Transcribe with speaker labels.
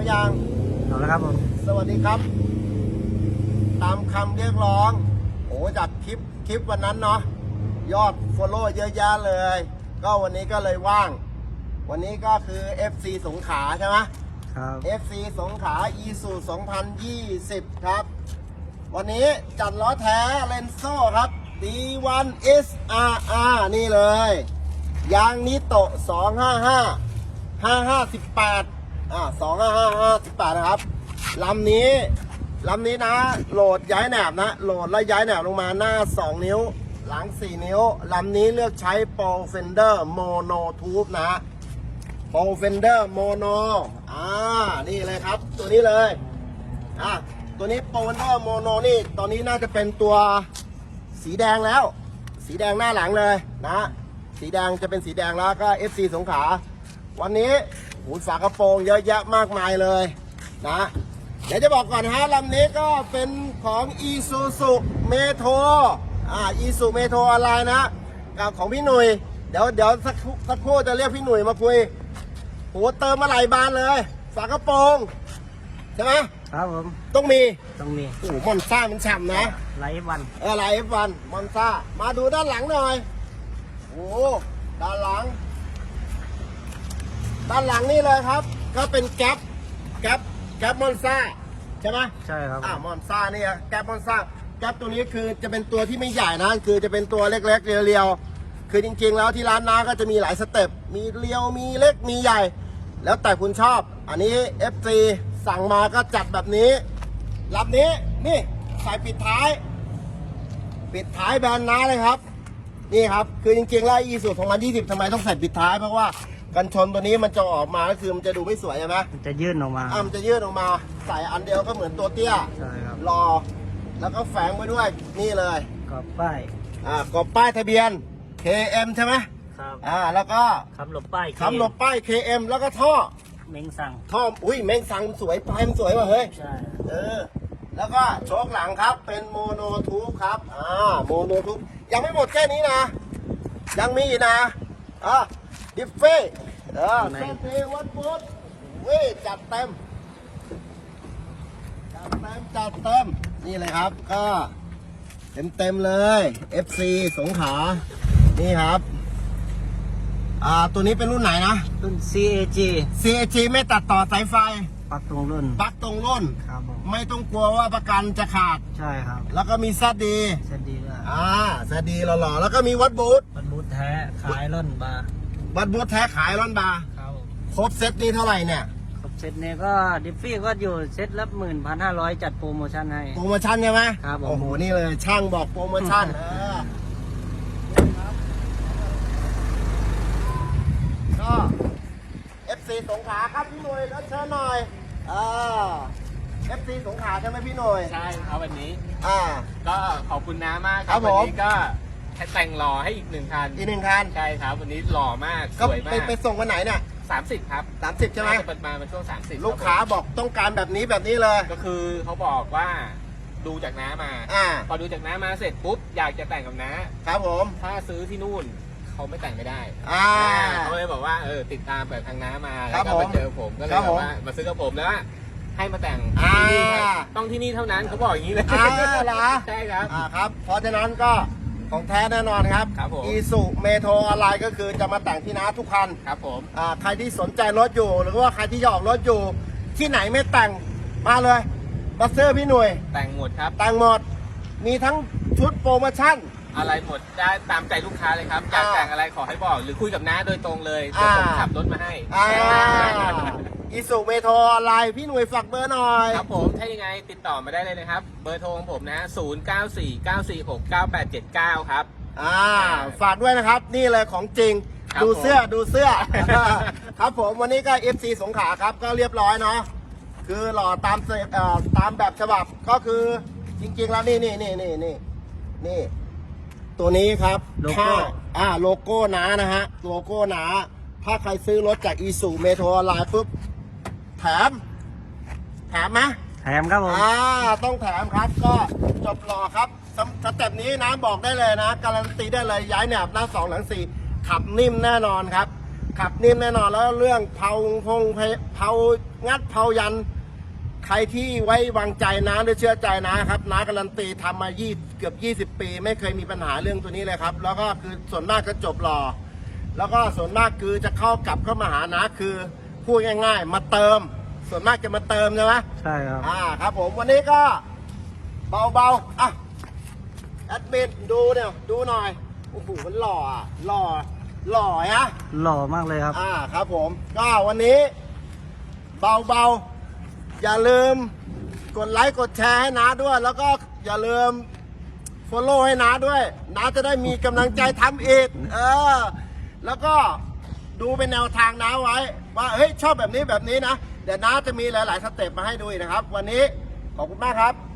Speaker 1: ยัง
Speaker 2: เอาแล้วครับผม
Speaker 1: สวัสดีครับตามคำเรียกร้องโอ้จากคลิปวันนั้นเนาะยอดฟอลโล่เยอะแยะเลยก็วันนี้ก็เลยว่างวันนี้ก็คือ FC สงขลาใช่ไหม
Speaker 2: ครับ
Speaker 1: FC สงขลา ISU 2020 ครับวันนี้จัดล้อแท้เลนโซ่ครับ D1 SRR นี่เลยยางนิโตะ255 5518 255 นะครับลำนี้นะโหลดย้ายแหนบนะโหลดแล้วย้ายแหนบลงมาหน้า2นิ้วหลัง4นิ้วลำนี้เลือกใช้โปรเฟนเดอร์โมโนทูบนะโปรเฟนเดอร์โมโนนี่เลยครับตัวนี้เลยตัวนี้โปรเฟนเดอร์โมโนนี่ตอนนี้น่าจะเป็นตัวสีแดงแล้วสีแดงหน้าหลังเลยนะสีแดงจะเป็นสีแดงแล้วก็ FC สงขลาวันนี้ฝากระโปรงเยอะแยะมากมายเลยนะเดี๋ยวจะบอกก่อนฮะลำนี้ก็เป็นของ Isuzu Metro Isuzu Metro อะไรนะกับของพี่หนุ่ยเดี๋ยวสักครู่จะเรียกพี่หนุ่ยมาคุยเติมมาหลายบานเลยฝากระโปรงใช่ไหม
Speaker 2: ครับผม
Speaker 1: ต้องมีมอนซ่ามันฉ่ำนะ
Speaker 2: ไลฟ์วัน
Speaker 1: ไลฟ์วันมอนซ่ามาดูด้านหลังหน่อยด้านหลังนี่เลยครับก็เป็นแก๊ปมอนซ่าใช่ไหม
Speaker 2: ใช่ครับ
Speaker 1: มอนซ่านี่แก๊ปมอนซ่าแก๊ปตัวนี้คือจะเป็นตัวที่ไม่ใหญ่นะคือจะเป็นตัวเล็กๆเรียวๆคือจริงๆแล้วที่ร้านน้าก็จะมีหลายสเต็ปมีเรียวมีเล็กมีใหญ่แล้วแต่คุณชอบอันนี้ FC สั่งมาก็จัดแบบนี้ลำนี้นี่ใส่ปิดท้ายแบรนด์น้าเลยครับนี่ครับคือจริงๆแล้วIsuzu 2020ทำไมต้องใส่ปิดท้ายเพราะว่ากันชนตัวนี้มันจะออกมาก็คือมันจะดูไม่สวยใช่ไหม
Speaker 2: มันจะยื่นออกมา
Speaker 1: มันจะยื่นออกมาใส่อันเดียวก็เหมือนตัวเตี้ย
Speaker 2: ใช่ครับ
Speaker 1: รอแล้วก็แฝงไว้ด้วยนี่เลย
Speaker 2: กรอบป้าย
Speaker 1: กรอบป้ายทะเบียน KM ใช่ไหม
Speaker 2: ครับ
Speaker 1: แล้วก็
Speaker 2: คำหลบป้าย
Speaker 1: KM แล้วก็ท่อ
Speaker 2: เม้งสั่ง
Speaker 1: เม้งสั่งสวยปลายมันสวยว่ะเฮ้ย
Speaker 2: ใช่
Speaker 1: แล้วก็โชคหลังครับเป็นโมโนทูบครับโมโนทูบยังไม่หมดแค่นี้นะยังมีอีกนะดิฟเฟ่เซนเทวันบูทจัดเต็มนี่เลยครับก็เต็มเลย FC สงขลานี่ครับตัวนี้เป็นรุ่นไหนนะ
Speaker 2: รุ่น CAG
Speaker 1: ไม่ตัดต่อสายไฟ
Speaker 2: ปลั๊กตรงรุ่นครับ
Speaker 1: ไม่ต้องกลัวว่าประกันจะขาด
Speaker 2: ใช่ครับ
Speaker 1: แล้วก็มีซัดดี
Speaker 2: ด้วย
Speaker 1: ซัดดีหล่อๆแล้วก็มีวัดบูท
Speaker 2: แท้ขายร่อนบาร์
Speaker 1: วัดบูทแท้ขายร่อนบาร์
Speaker 2: ครับ
Speaker 1: ครบเซตนี้เท่าไหร่เนี่ย
Speaker 2: ครบเซตเนี่ยก็ดิฟฟี่ก็อยู่เซตละ11,500จัดโปรโมชั่นให้
Speaker 1: โปรโมชั่นใช่ไหม
Speaker 2: ครับ
Speaker 1: โอ้โหนี่เลยช่างบอกโปรโมชั่นก็ FC สงขลาครับพี่หน่วยแล้วเชิญหน่อยFC สงขลาใช่ไหมพี่หน่วย
Speaker 3: ใช่ครับวันนี้
Speaker 1: ก็
Speaker 3: ขอบคุณน้ามากครับวันนี้ก็แต่งหล่อให้อีก1 คันใช่ครับวันนี้หล่อมากสวยมาก
Speaker 1: ไปส่งวันไหนเนี่ย
Speaker 3: 30ครับ
Speaker 1: 30ใช่ไหม
Speaker 3: เปิดมาช่วง30
Speaker 1: ลูกค้าบอกต้องการแบบนี้เลย
Speaker 3: ก็คือเขาบอกว่าดูจากน้ามาพอดูจากน้ามาเสร็จปุ๊บอยากจะแต่งกับน้า
Speaker 1: ครับผม
Speaker 3: ถ้าซื้อที่นู่นเขาไม่แต่งไม่ได้เขาเลยบอกว่าติดตามแบบทางน้ามาแล้วก็มาเจอผมก็เลยบอกว่ามาซื้อกับผมแล้วให้มาแต่งที่นี่ต้องที่นี่เท่านั้นเขาบอกอย่างนี้เลยใช่ครับ
Speaker 1: ครับเพราะฉะนั้นก็ของแท้แน่นอนครับIsuzu Metro อะไรก็คือจะมาแต่งที่น้าทุกคัน
Speaker 3: ครับผม
Speaker 1: ใครที่สนใจรถอยู่หรือว่าใครที่อยากรถอยู่ที่ไหนไม่แต่งมาเลยบัสเซอร์พี่หน่วย
Speaker 3: แต่งหมดครับ
Speaker 1: แต่งหมดมีทั้งชุดโปรโมชั่น
Speaker 3: อะไรหมดได้ตามใจลูกค้าเลยครับอยากแต่งอะไรขอให้บอกหรือคุยกับน้าโดยตรงเลยเดี๋ยวผมขับรถมาให้
Speaker 1: Isuzu Metro อะไรพี่หน่วยฝากเบอร์หน่อย
Speaker 3: ครับผมถ้ายังไงติดต่อมาได้เลยนะครับเบอร์โทรของผมนะ0949469879ครับ
Speaker 1: ฝากด้วยนะครับนี่เลยของจริงดูเสื้อครับผมวันนี้ก็ FC สงขลาครับก็เรียบร้อยเนาะคือหล่อตามแบบฉบับก็คือจริงๆแล้วนี่ตัวนี้ครับ
Speaker 2: โลโก้
Speaker 1: โลโก้หนานะฮะโลโก้หนาถ้าใครซื้อรถจาก Isuzu Metro ออนไลน์ปุ๊บแถมไหม
Speaker 2: แถมครับผม
Speaker 1: ต้องแถมครับก็จบหล่อครับสเต็ปนี้นะบอกได้เลยนะการันตีได้เลยย้ายแหนบหน้า2หลัง4ขับนิ่มแน่นอนครับขับนิ่มแน่นอนแล้วเรื่องเผาเผางัดเผายันใครที่ไว้วางใจนะหรือเชื่อใจนะครับน้าการันตีทำมาเกือบ20 ปีไม่เคยมีปัญหาเรื่องตัวนี้เลยครับแล้วก็คือส่วนมากก็จบหล่อแล้วก็ส่วนมากคือจะกลับเข้ามาหานะคือพูดง่ายๆมาเติมส่วนมากจะมาเติมใช่ไหม
Speaker 2: ใช่ครับ
Speaker 1: ครับผมวันนี้ก็เบาๆอ่ะแอดมินดูเนี่ยดูหน่อยโอ้โหมันหล่ออ่ะหล่อฮะ
Speaker 2: หล่อมากเลยครับ
Speaker 1: ครับผมก็วันนี้เบาๆอย่าลืมกดไลค์กดแชร์ให้น้าด้วย แล้วก็อย่าลืมfollowให้น้าด้วยน้าจะได้มีกำลังใจทำอีกแล้วก็ดูเป็นแนวทางน้าไว้ว่าเฮ้ยชอบแบบนี้นะเดี๋ยวน้าจะมีหลายๆสเต็ปมาให้ดูอีกนะครับ วันนี้ขอบคุณมากครับ